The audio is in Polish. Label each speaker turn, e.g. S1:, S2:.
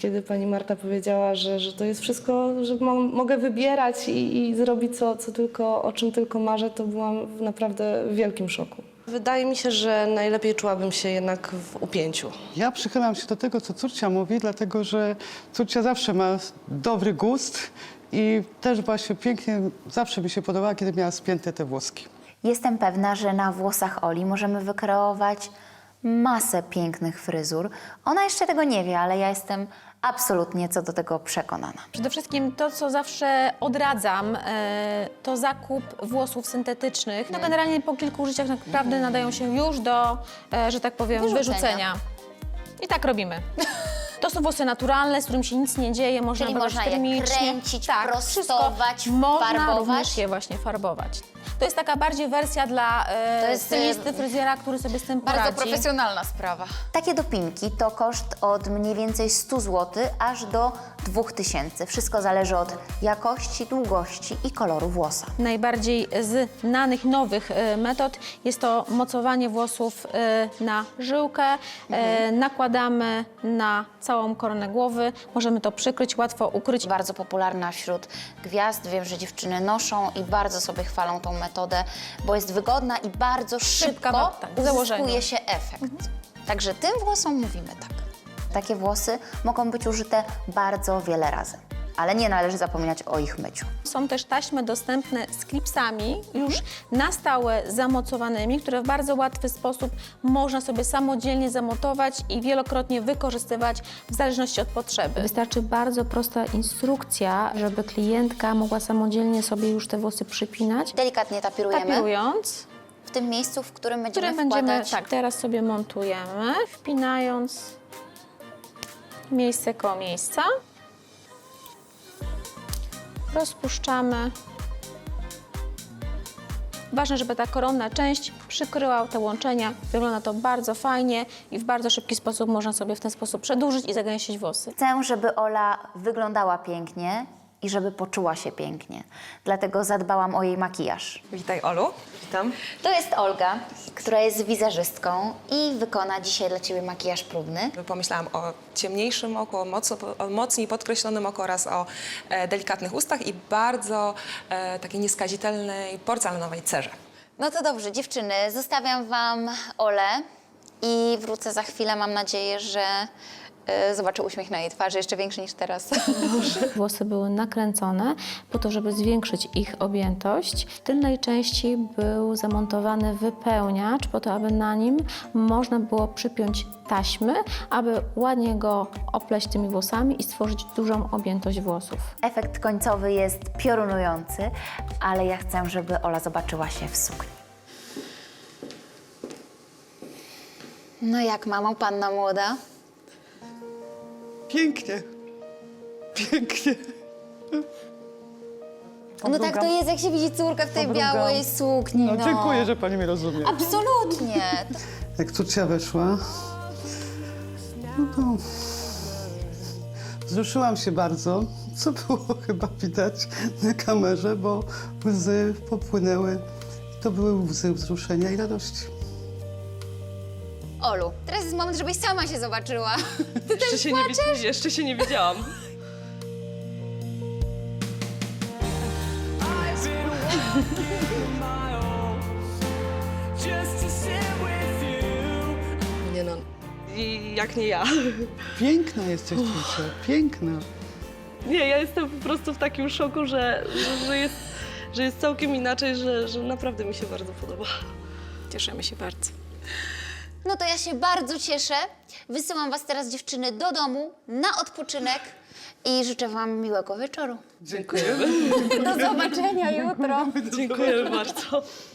S1: Kiedy pani Marta powiedziała, że to jest wszystko, że mogę wybierać i zrobić o czym tylko marzę, to byłam naprawdę w wielkim szoku. Wydaje mi się, że najlepiej czułabym się jednak w upięciu.
S2: Ja przychylam się do tego, co córcia mówi, dlatego że córcia zawsze ma dobry gust i też właśnie pięknie, zawsze mi się podobała, kiedy miała spięte te włoski.
S3: Jestem pewna, że na włosach Oli możemy wykreować masę pięknych fryzur. Ona jeszcze tego nie wie, ale ja jestem absolutnie co do tego przekonana.
S4: Przede wszystkim to, co zawsze odradzam, to zakup włosów syntetycznych. No generalnie po kilku użyciach naprawdę nadają się już do, że tak powiem, wyrzucenia. I tak robimy. To są włosy naturalne, z którym się nic nie dzieje, można
S3: Czyli
S4: wybrać
S3: można je
S4: termicznie.
S3: kręcić,
S4: wszystko.
S3: prostować,
S4: Można
S3: farbować.
S4: również je właśnie farbować. To jest taka bardziej wersja dla stylisty, fryzjera, który sobie z tym poradzi.
S5: Bardzo profesjonalna sprawa.
S3: Takie dopinki to koszt od mniej więcej 100 zł aż do 2000. Wszystko zależy od jakości, długości i koloru włosa.
S4: Najbardziej znanych, nowych metod jest to mocowanie włosów na żyłkę. Nakładamy na całą koronę głowy. Możemy to przykryć, łatwo ukryć.
S3: Bardzo popularna wśród gwiazd. Wiem, że dziewczyny noszą i bardzo sobie chwalą tą metodę, bo jest wygodna i bardzo szybko
S4: w założeniu.
S3: uzyskuje się efekt. Także tym włosom mówimy tak. Takie włosy mogą być użyte bardzo wiele razy, ale nie należy zapominać o ich myciu.
S4: Są też taśmy dostępne z klipsami, już na stałe zamocowanymi, które w bardzo łatwy sposób można sobie samodzielnie zamontować i wielokrotnie wykorzystywać w zależności od potrzeby. Wystarczy bardzo prosta instrukcja, żeby klientka mogła samodzielnie sobie już te włosy przypinać.
S3: Delikatnie tapirujemy
S4: Tapirując,
S3: w tym miejscu, w którym
S4: które
S3: będziemy
S4: będziemy,
S3: wkładać.
S4: tak, teraz sobie montujemy, wpinając miejsce koło miejsca. Rozpuszczamy. Ważne, żeby ta koronna część przykryła te łączenia. Wygląda to bardzo fajnie i w bardzo szybki sposób można sobie w ten sposób przedłużyć i zagęścić włosy.
S3: Chcę, żeby Ola wyglądała pięknie i żeby poczuła się pięknie. Dlatego zadbałam o jej makijaż.
S6: Witaj, Olu. Witam.
S3: To jest Olga, która jest wizerzystką i wykona dzisiaj dla Ciebie makijaż próbny.
S6: Pomyślałam o ciemniejszym oku, o mocniej podkreślonym oku oraz o delikatnych ustach i bardzo takiej nieskazitelnej porcelanowej cerze.
S3: No to dobrze, dziewczyny, zostawiam Wam Olę i wrócę za chwilę. Mam nadzieję, że zobaczę uśmiech na jej twarzy, jeszcze większy niż teraz.
S4: Włosy były nakręcone po to, żeby zwiększyć ich objętość. W tylnej części był zamontowany wypełniacz po to, aby na nim można było przypiąć taśmy, aby ładnie go opleść tymi włosami i stworzyć dużą objętość włosów.
S3: Efekt końcowy jest piorunujący, ale ja chcę, żeby Ola zobaczyła się w sukni. No jak, mamo, panna młoda?
S2: Pięknie. Pięknie.
S3: No tak to jest, jak się widzi córka w tej
S2: Podrugam.
S3: białej sukni,
S2: No, dziękuję, że pani mnie rozumie.
S3: Absolutnie.
S2: Jak córcia weszła, no to wzruszyłam się bardzo, co było chyba widać na kamerze, bo łzy popłynęły. To były łzy wzruszenia i radości.
S3: Olu, teraz jest moment, żebyś sama się zobaczyła.
S6: Jeszcze się nie widziałam.
S1: Nie no,
S6: I jak nie ja.
S2: Piękna jesteś, córcia, piękna.
S7: Nie, ja jestem po prostu w takim szoku, że jest całkiem inaczej, że naprawdę mi się bardzo podoba.
S4: Cieszymy się bardzo.
S3: No to ja się bardzo cieszę. Wysyłam was teraz, dziewczyny, do domu na odpoczynek i życzę wam miłego wieczoru.
S2: Dziękujemy.
S3: Do zobaczenia jutro.
S7: Dziękuję bardzo.